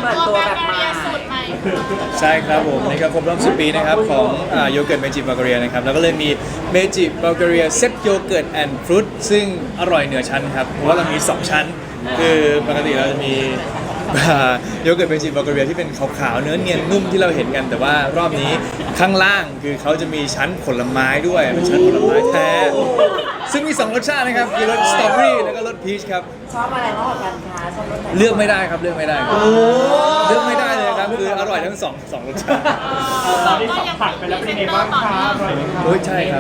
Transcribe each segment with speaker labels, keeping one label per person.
Speaker 1: เปิดตัวแบบมาสูตรใหม่
Speaker 2: ใช่ครับผมนี่ก็ครบรอบ10 ปีนะครับของโยเกิร์ตเมจิบัลแกเรียนะครับแล้วก็เลยมีเมจิบัลแกเรียเซตโยเกิร์ตแอนด์ฟรุตซึ่งอร่อยเหนือชั้นครับเพราะว่าเรามี 2 ชั้นคือปกติเราจะมีโยเกิร์ตเมจิบัลแกเรียที่เป็นขาวๆเนื้อเนียนนุ่มที่เราเห็นกันแต่ว่ารอบนี้ข้างล่างคือเขาจะมีชั้นผลไม้ด้วยเป็นชั้นผลไม้แท้ซึ่งมี 2 รสชาตินะครับคือรสสตรอเบอรี่แล้วก็รสพีชครับ
Speaker 1: ชอบอะไรมากกว่ากันคะชอบรสไหน
Speaker 2: เลือกไม่ได้ครับเลือกไม่ได้ครับเลือกไม่ได้เลยครับคืออร่อยทั้งสองรสชาติ
Speaker 3: ตอนที่สัมผัสไปแล้วเป็นยังไงบ้างคะอร่อยไหมคะ
Speaker 2: โอ้ยใช่ครับ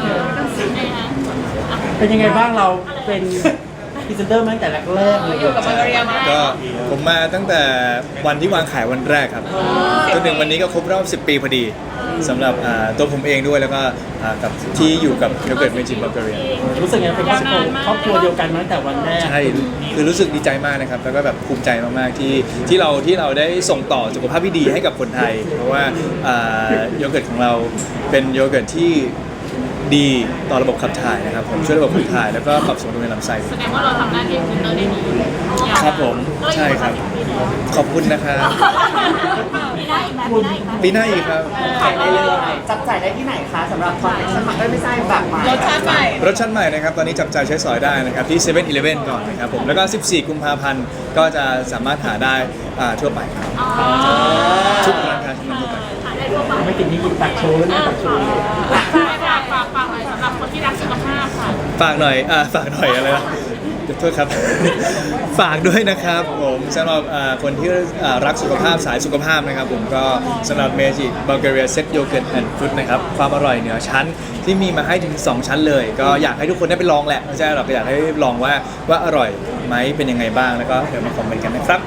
Speaker 3: เป็นยังไงบ้างเราเป็นพรีเซนเตอร์มาตั้งแต่แรกเลย
Speaker 1: อยู่กับมาเรียมา
Speaker 2: ก็ผมมาตั้งแต่วันที่วางขายวันแรกครับจนถึงวันนี้ก็ครบรอบ 10 ปีพอดีสำหรับตัวผมเองด้วยแล้วก็กับที่อยู่กับโยเกิร์ตเมจิบัลแกเรีย
Speaker 3: รู้สึกไงเป็นครอบครัวเดียวกันมาตั้งแต่วันแรก
Speaker 2: ใช่คือรู้สึกดีใจมากนะครับแล้วก็แบบภูมิใจมากๆที่เราได้ส่งต่อสุขภาพที่ดีให้กับคนไทย เพราะว่าโยเกิร์ตของเราเป็นโยเกิร์ตที่ดีต่อระบบขับถ่ายนะครับผมช่วยระบบขับถ่ายแล้วก็ปรับสมดุลในลำไส้
Speaker 4: แสดงว่าเราทำหน้าที่พรีเซนเตอร์ได้ดี
Speaker 2: ครับผมใช่ครับขอบคุณนะครับ
Speaker 4: มีได้อีกไหม
Speaker 2: ปีหน้าอีกครับ
Speaker 1: ขายได้เลยจับจ่ายได้ที่ไหนคะสำหรับคอนเนคชั่นใหม่ไม่ใช่แบบใหม่รสชาติใหม่
Speaker 2: รสชาติใหม่นะครับตอนนี้จับจ่ายใช้สอยได้นะครับที่7 e เ e ่ e ก่อนนะครับผมแล้วก็ 14 กุมภาพันธ์ก็จะสามารถหาได้ทั่วไปครับทุกร้านค้าชั้นนำทั่วไป
Speaker 3: ไม่ติดนี่กินตักโชว์นะตักโชว์
Speaker 4: ฝากหน่อยสำหรับคนที่รักสุขภาพค่ะ
Speaker 2: ฝากหน่อยอะไรนะเดี๋ยวโทษครับ ฝากด้วยนะครับผมสำหรับคนที่รักสุขภาพสายสุขภาพนะครับผมก็สำหรับเมจิบัลแกเรียเซตโยเกิร์ตแอนด์ฟรุตนะครับความอร่อยเหนือชั้นที่มีมาให้ถึง 2 ชั้นเลย ก็อยากให้ทุกคนได้ไปลองแหละไม่ใช่หรอกก็อยากให้ลองว่าอร่อยไหมเป็นยังไงบ้างแล้วก็เดี๋ยวมาคอมเมนต์กันนะครับ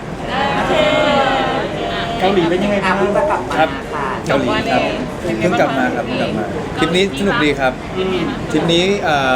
Speaker 3: เกาหลีเป็นยังไงบ้าง
Speaker 1: เพิ่งจะกลับมา
Speaker 2: ครับ
Speaker 1: ค่ะ
Speaker 2: เกาหลีครับเพิ่งกลับมาครับทริปนี้สนุกดีครับทริปนี้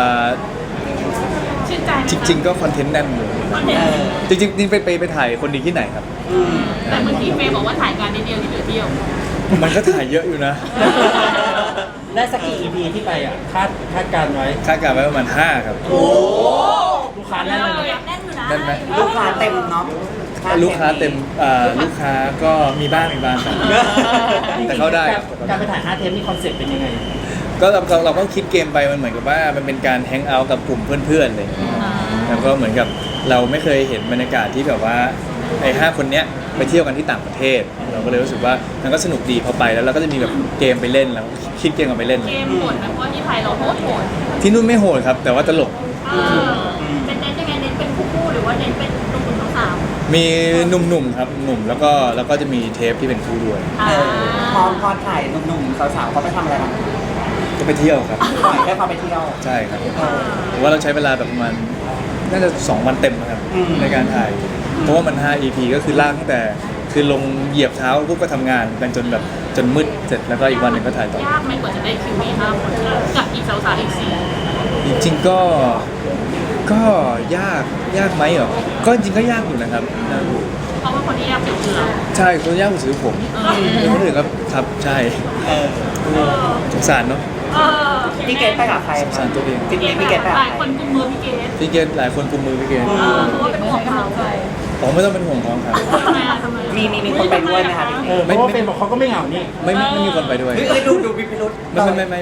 Speaker 4: ชื่นใจ
Speaker 2: จริงๆก็คอนเทนต์แน่นเลยจริงๆนี่ไปถ่ายคนดีที่ไหนครับ
Speaker 4: แต่เมื่อกี้เฟย์บอกว่าถ่ายการนิดเดียวที่เหลือเที่ยว
Speaker 2: มันก็ถ่ายเยอะอยู่นะ
Speaker 3: ได้สักกี่ EP ที่ไปอ่ะคาดการไว้
Speaker 2: คาดการณ์ไว้ประมาณ5ครับ
Speaker 3: ลูกค้าแน่นเลย
Speaker 4: แน่นอยู่นะ
Speaker 2: นั่นไหม
Speaker 1: ลูกค้าเต็มเนาะ
Speaker 2: ลูกค้าเต็มลูกค้าก็มีบ้างครับ แต่เข้าได้ครับ
Speaker 3: การไปถ่าย5 เทปนี่คอนเซ็ปต์เป็นยังไง
Speaker 2: ก็เราก็คิดเกมไปมันเหมือนกับว่ามันเป็นการแฮงเอาท์กับกลุ่มเพื่อนๆเลยแล้วก็เหมือนกับเราไม่เคยเห็นบรรยากาศที่แบบว่าไอ้5 คนเนี้ยไปเที่ยวกันที่ต่างประเทศ เราก็เลยรู้สึกว่ามันก็สนุกดีพอไปแล้วเราก็จะมีแบบเกมไปเล่นแล้วคิดเกมกันไปเล่น
Speaker 4: เกมโหดนะเพราะว่าที่ไทยเราโหด
Speaker 2: ที่นู่นไม่โหดครับ แต่ว่าตลก
Speaker 4: เป็นเน้นยังไงเน้นเป็นคู่หรือว่าเน้นเป็นหนุ่มๆสาว
Speaker 2: มีหนุ่มๆครับหนุ่มแล้วก็จะมีเทปที่เป็นคู่ด้วย
Speaker 1: พอถ่ายหนุ่มๆสาวๆเขาไปทำอะไรบ้าง
Speaker 2: ก็ไปเที่ยวครับ
Speaker 1: ปล่อยให้เขาไปเที่ยว
Speaker 2: ใช่ครับผมว่าเราใช้เวลาแบบประมาณน่าจะ2 วันเต็มนะครับในการถ่าย เพราะว่ามัน5 EP ก็คือลากตั้งแต่คือลงเหยียบเท้าปุ๊บก็ทำงานกันจนมืดเสร็จแล้วก็อีกวันหนึ่งก็ถ่ายต่อ
Speaker 4: ๆยากไหมกว่าจะได้คิวมี5 คนกับอีกสาวๆอีก4
Speaker 2: จริงๆก็ยากไหมเหรอก็จริงก็ยากอยู่นะครับยากอยู่
Speaker 4: เพราะว่าคนที่ยากสุดคือเรา
Speaker 2: ใช่คนยากกว่าซื้อผมคนอื่นก็ครับใช่สงสารเนาะ
Speaker 1: พี่เกดไปกับใคร
Speaker 2: สงสารตัวเอง
Speaker 1: พี่เกดไปกับ
Speaker 4: ห
Speaker 1: ใคร
Speaker 4: ลายคนกุมมือพี่เกด
Speaker 2: พี่เกณฑ์หลายคนกุมมือพี่เกณฑ์
Speaker 4: เพราะว่าเป็นห่วงเขา
Speaker 2: ผมไม่ต้องเป็นห่วงน้องครับ
Speaker 4: ทำไมอะ
Speaker 1: มีคนไปด้วยไหมคะพี่เกด
Speaker 3: เพราะว่าเป็นบอกเขาก็ไม่เหงานี่
Speaker 2: ไม่มีคนไปด้วย
Speaker 1: เฮ้ยดูวิพิรุษ
Speaker 2: ไม่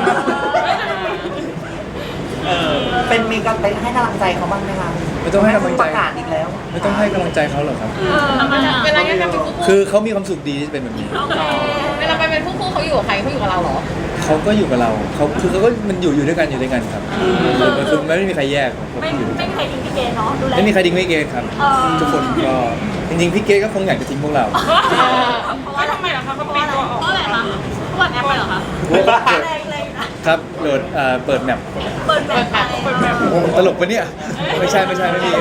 Speaker 1: เป็นมีกันไปให้กำลังใจเขาบ้างไหมคะ
Speaker 2: ไม่ต้องให้กำลังใจ
Speaker 1: ประกาศอีกแล้ว
Speaker 2: ไม่ต้องให้กำลังใจเขาหรอกครับ
Speaker 4: เวลางั้นเป็นคู่
Speaker 2: คือเขามีความสุขดีที่จะเป็นแบบนี้
Speaker 4: เวลาไปเป็นคู่เขาอยู่กับใครเขาอยู่กับเราเหรอ
Speaker 2: เขาก็อยู่กับเราเขาก็มันอยู่ด้วยกันครับคือไม่มีใครแยกผม
Speaker 4: ไม่
Speaker 2: อยู่ด้วย
Speaker 4: ไม่
Speaker 2: กัน
Speaker 4: มีใครทิ้งพี่เกดเนาะดูแล
Speaker 2: ไม่มีใครทิ้งพี่เกณฑ์ครับ ทุกคนก็จริงๆพี่เกณฑ์ก็คงอยากจะทิ้งพวกเรา
Speaker 4: เพราะว่าทำไมเหรอคะเขาปิดตัวออกเพราะอะไรคะเพราะว่าแอปไปเหรอคะเลยนะครับ
Speaker 2: โหลดเปิดแมป
Speaker 4: เปิดแบบ
Speaker 2: ตลกปะเนี่ยไม่ใช่ไม่มี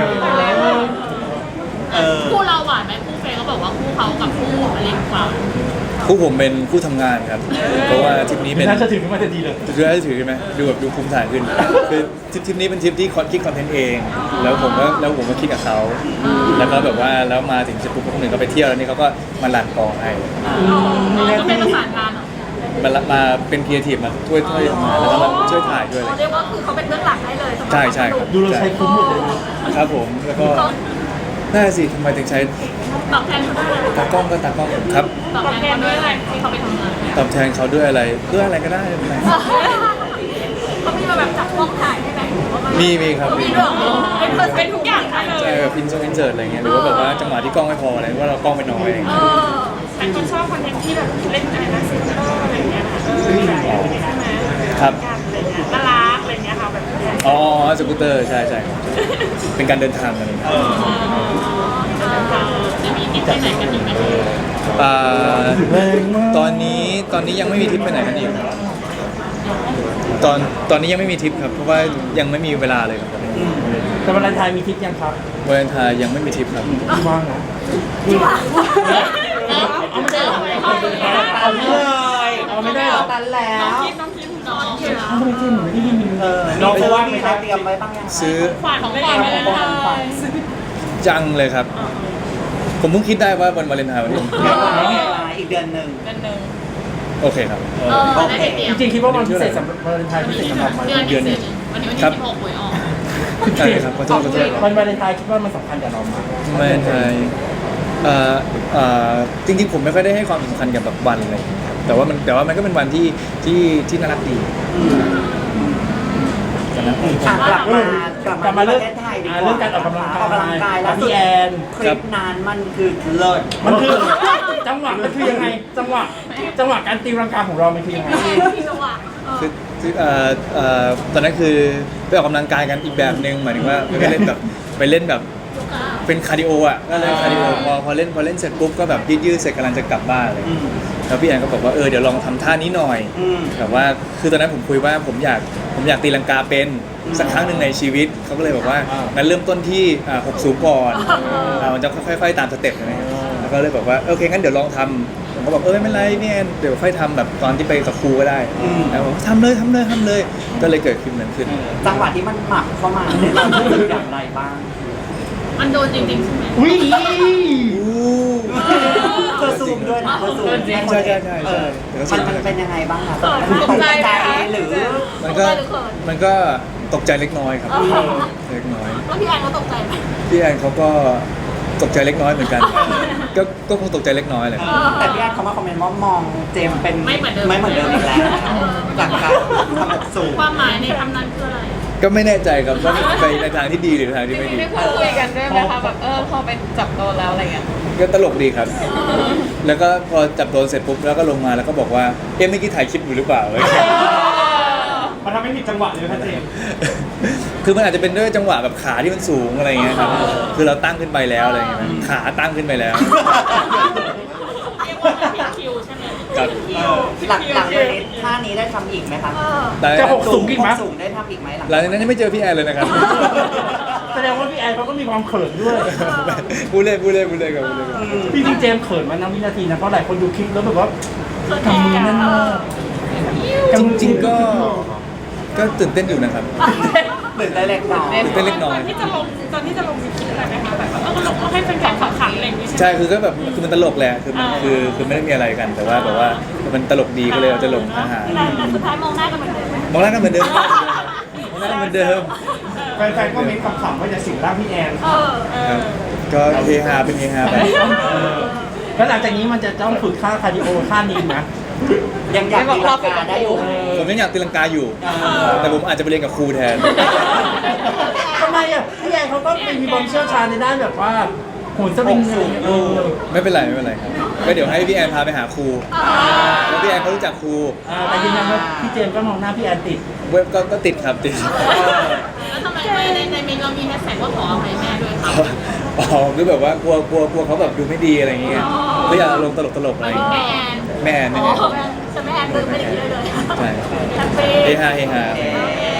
Speaker 4: คู่เราหวานไหมคู่เฟย์เขาบอกว่าคู่เขากับคู่อเล็กกว่า
Speaker 2: คู่ผมเป็นคู่ทำงานครับ เพราะว่าทริปนี้เป็น
Speaker 3: น่าจะถึงขึ้นมาจะดีเลย
Speaker 2: ถือได้ถือใช่ไหมดูภูมิฐานขึ้นคือทริปนี้เป็นทริปที่คิดคอนเทนต์เอง แล้วผมก็คิดกับเขาแล้วก็แบบว่าแล้วมาถึงเสร็จปุ๊บคนหนึ่งก็ไปเที่ยวแล้วนี่เขาก็มาลันกองให้
Speaker 4: ก็เป็นประสานงานเหรอ
Speaker 2: มาเป็นครีเอทีฟมาช่วยทำงานแล้วก็มาช่วยถ่ายด้วยอะไร
Speaker 4: เรียกว่าคือเขาเป็นเบื้องหลังให้เลย
Speaker 2: ใช่ครับ
Speaker 3: ดูเราใช้คุ้มหมดเลยนะครับ
Speaker 2: ผมแล้วก็น่าสิทำไมถึงใช้
Speaker 4: ตอบแทนเขาด้วยอะไร
Speaker 2: ตากล้องก็ตากล้องครับ
Speaker 4: ตอบแทนเขาด้วยอะไรที่เขาไปทำงาน
Speaker 2: ตอบแทนเขาด้วยอะไรเพื่ออะไรก็ได้ไม่เป็นไร
Speaker 4: เขามีมาแบบจับกล้องถ่ายได้ไหม
Speaker 2: มีครับ
Speaker 4: มีด้วยเป็นทุกอย่างให้เล
Speaker 2: ใช่
Speaker 4: ย
Speaker 2: แบบอินเสิร์ตอะไรเงี้ยหรือว่าแบบว่าจังหวะที่กล้องไม่พออะไรว่าเรากล้องไม่น้อยอะไรเงี้ย
Speaker 4: แต่คนชอบคอนเทนต์ที่แบบเล่นอะไรนะซิงเกิลอะไรเงี้ยค่ะใช่ไหม
Speaker 2: ครับ
Speaker 4: อะไรเงี้ยน่ารักอะไรเงี้ยค่ะแบบ
Speaker 2: อ๋อสกูตเตอร์ใช่ครับเป็นการเดินทางอะไรเงี้ย
Speaker 4: จะมีที่ไปไหนกันอีกไหม
Speaker 2: อ่าตอนนี้ยังไม่มีทริปไปไหนกันอีกครับตอนนี้ยังไม่มีทริปครับเพราะว่ายังไม่มีเวลาเลยครับ
Speaker 3: แต่วันวาเลนไทน์มีทริปยังครับ
Speaker 2: วาเลนไทน์ยังไม่มีทริปครับ
Speaker 3: ว่างนะ
Speaker 4: เอาไม่ได้หรอ
Speaker 3: เอาไม่ได้เอาไม่ได้หรอ
Speaker 1: ตันแล้ว
Speaker 4: น้องคิดน้องคิด
Speaker 3: ทำไมจริงเหมือนไม่ได้ยิน
Speaker 1: น้องว่ามีอะไรเตรียมไว้บ้างยัง
Speaker 2: ซื้อ
Speaker 4: ขวัญของเล่นเลยนะคะ
Speaker 2: จังเลยครับ ผมเพิ่งคิดได้ว่าวันวาเลนไทน์วันนี้
Speaker 1: อีกเดือนหนึ่ง
Speaker 4: เป็นหนึ่ง
Speaker 2: โอเคครับ
Speaker 4: ได้เตรียม
Speaker 3: จริงๆคิดว่าวันพิเศษสำหรับวาเลนไทน์พิเศษสำหรับมัน
Speaker 4: เดือนนี้วันนี้วันที่16หวยออก
Speaker 2: ใช่ครับขอโทษ
Speaker 3: วันวาเลนไทน์คิดว่ามันสำคัญกับเรามาก
Speaker 2: วาเลนไทน์จริงๆผมไม่ค่อยได้ให้ความสำคัญกับแบบวันอะไรอย่างเงี้ยครับแต่ว่ามันก็เป็นวันที่น่ารักดี
Speaker 1: กลับมาเรื่องประเทศไทยดีกว่า
Speaker 3: เรื่องการออกกำลังกาย
Speaker 1: ออกกำลังกายแล้ว
Speaker 3: พี่แอน
Speaker 1: คลิปนั้นมันคือเลิศ
Speaker 3: มันคือจังหวะมันคือยังไงจังหวะการตีรังกาของเรามันคือยังไง
Speaker 4: ที่จังหวะ
Speaker 2: คือตอนนั้นคือไปออกกำลังกายกันอีกแบบหนึ่งหมายถึงว่าไปเล่นแบบเป็นคาร์ดิโออ่ะก็เลยคาร์ดิโอพอเล่นเสร็จปุ๊บก็แบบยืดเสร็จกำลังจะกลับบ้านเลยแล้วพี่แอนก็บอกว่าเดี๋ยวลองทำท่านี้หน่อยแบบว่าคือตอนนั้นผมคุยว่าผมอยากตีลังกาเป็นสักครั้งหนึ่งในชีวิตเขาก็เลยบอกว่างั้นเริ่มต้นที่6 สูงก่อนมันจะค่อยๆตามสเต็ปนะครับแล้วก็เลยบอกว่าโอเคงั้นเดี๋ยวลองทำผมก็บอกไม่เป็นไรพี่แอนเดี๋ยวค่อยทำแบบตอนที่ไปกับครูก็ได้แล้วบอกทำเลยก็เลยเกิดคลิปนั้นขึ้น
Speaker 1: จังหวะที่มันหมักเข้ามาเนี่ยเรารู้สึกอย่างไรบ้าง
Speaker 4: มันโดนจริงๆใช่ไหม
Speaker 3: อุ้ย
Speaker 1: เธอซูมด้วยนะเธอซูม
Speaker 2: ใช่
Speaker 1: มันเป็นยังไงบ้างคะ
Speaker 4: ตกใจไหม
Speaker 1: หรือ
Speaker 2: มันก็ตกใจเล็กน้อยครับเล็กน้อย
Speaker 4: แล้วพี่แอนเขาตกใจไหม
Speaker 2: พี่แอนเขาก็ตกใจเล็กน้อยเหมือนกัน ก็คงตกใจเล็กน้อยแหละ
Speaker 1: แต่พี่แอนเขามาคอมเมนต์ว่ามองเจมเป็น
Speaker 4: ไม่เหมือนเดิม
Speaker 1: อีกแล้วจากการทำแบบสูง
Speaker 4: ความหมายในคำนั้นคืออะไร
Speaker 2: ก็ไม่แน่ใจครับว่าไปในทางที่ดีหรือทางที่ไม่ดี
Speaker 5: ได้พูดคุยกันด้วยไหมคะแบบพอไปจับโดนแล้วอะไรเงี้ย
Speaker 2: ก็ตลกดีครับ แล้วก็พอจับโดนเสร็จปุ๊บแล้วก็ลงมาแล้วก็บอกว่าเมื่อกี้ถ่ายคลิปอยู่หรือเปล่า
Speaker 3: มันทำให้ผิดจังหวะเลยครับเจม
Speaker 2: คือมันอาจจะเป็นด้วยจังหวะแบบขาที่มันสูงอะไรเงี้ยครับคือเราตั้งขึ้นไปแล้วอะไรเงี้ยขาตั้งขึ้นไปแล้ว
Speaker 4: เรียกว่าผิดคิวใช่ไหม
Speaker 2: ครับ
Speaker 1: หลังจากนี้ท่านี้ได้ทำอีกไหมคะ
Speaker 2: แต่
Speaker 3: จะหกสูงอีกไหม
Speaker 1: สูงได้ทำอีกไหมหลัง
Speaker 2: หลังจากนั้นยังไม่เจอพี่แอนเลยนะครับ
Speaker 3: แสดงว่าพี่แอนเขาก็มีความเขินด้วย
Speaker 2: พูดเล่นกับ
Speaker 3: พี่จริงเจมส์เขินมานั่งวินาทีนะเพราะหลายคนดูคลิปแล้วแบบว่าทำมือนั่นมาก
Speaker 2: จริงๆก็ตื่นเต้นอยู่นะครับ
Speaker 1: ตื่นได้เล็กน้อย
Speaker 2: ตื่นเต้นเล็กน้อย
Speaker 4: ตอนที่จะลงมีคิดอะไรไหมคะแบบเราให้แฟนๆขำๆอะไรอย่างงี้ใช่ไหม
Speaker 2: ใช่คือก็แบบคือมันตลกแหละคือมันคือไม่ได้มีอะไรกันแต่ว่าแบบว่ามันตลกดีก็เลยเอาจะลงอาหาร
Speaker 4: แต่สุดท้ายมองหน้ากันเหมือนเดิม
Speaker 2: มองหน้ากันเหมือนเดิมมองหน้ากันเหมือนเดิม
Speaker 3: แฟนๆก็มีคำขำว่าจะสิงร่างพี่แอน
Speaker 2: ครับก็เฮฮาเป็นเฮฮาไป
Speaker 3: แล้วหลังจากนี้มันจะต้องฝึกค่าคาร์ดิโอค่านี้นะ
Speaker 1: ยังอยากตีลังกาได้อยู่
Speaker 2: ผมยังอยากตีลังกาอยู่ แต่ผมอาจจะไปเรียนกับครูแทน
Speaker 3: ทำไมอ่ะพี่แอนเขาก็มีความเชี่ยวชาญในด้านแบบว่าโหนสลิงอะไรอย่างเงี้ย
Speaker 2: ไม่เป็นไรครับก็เดี๋ยวให้พี่แอนพาไปหาครูแล้วพี่แอนเขารู้จักครู
Speaker 3: แต่ยืนยันว่าพี่เจมส์ก็มองหน้าพี่แอนติด
Speaker 2: เว็บก็ติดครับติด
Speaker 4: แล้วทำไมในเมนูเรามีแฮชแท็กว่าขออภัยแม่ด้วยคะ
Speaker 2: อ๋อคือแบบว่ากลัวเขาแบบดูไม่ดีอะไรอย่างเงี้ยก็อยากลงตลกอะไรอย่างเงี้ย
Speaker 4: แม่แอน
Speaker 2: แม่แอน
Speaker 4: ฉันแม่แอนลืมไม่ได้คิดเลย
Speaker 2: ใช่
Speaker 4: แฮปปี้
Speaker 2: เฮฮา
Speaker 4: โอเค